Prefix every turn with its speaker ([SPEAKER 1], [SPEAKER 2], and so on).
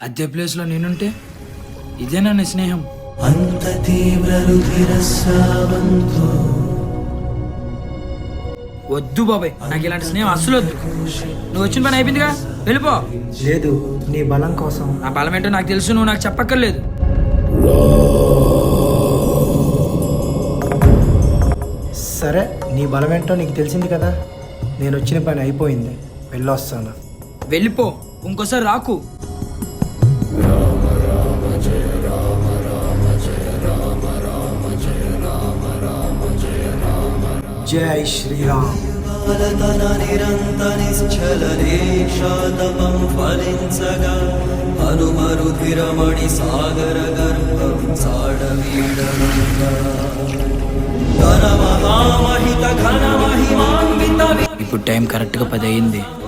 [SPEAKER 1] అదే ప్లేస్లో నేనుంటే ఇదేనా నీ స్నేహం?
[SPEAKER 2] అంత తీవ్ర రుధిరస్రావంతో
[SPEAKER 1] వద్దు బాబాయ్, నాకు ఇలాంటి స్నేహం అస్సలు వద్దు. నువ్వు వచ్చిన పని అయిపోయిందిగా, వెళ్ళిపో.
[SPEAKER 3] లేదు, నీ బలం కోసం.
[SPEAKER 1] నా బలం ఏంటో నాకు తెలుసు, నువ్వు నాకు చెప్పక్కర్లేదు.
[SPEAKER 3] సరే, నీ బలం ఏంటో నీకు తెలిసింది కదా. నేను వచ్చిన పని అయిపోయింది, వెళ్ళొస్తాను.
[SPEAKER 1] వెళ్ళిపో, ఇంకోసారి రాకు.
[SPEAKER 3] జై శ్రీరామ్.
[SPEAKER 2] బాలతన నిరంత నిశ్చలనేషాతపం ఫలించగా హనుమరుధిరమణి సాగర గర్భం సాడవీడమంగా ఘన మహామహిత ఘన మహిమాన్విత.
[SPEAKER 1] ఇప్పుడు టైం కరెక్ట్గా 10 అయింది.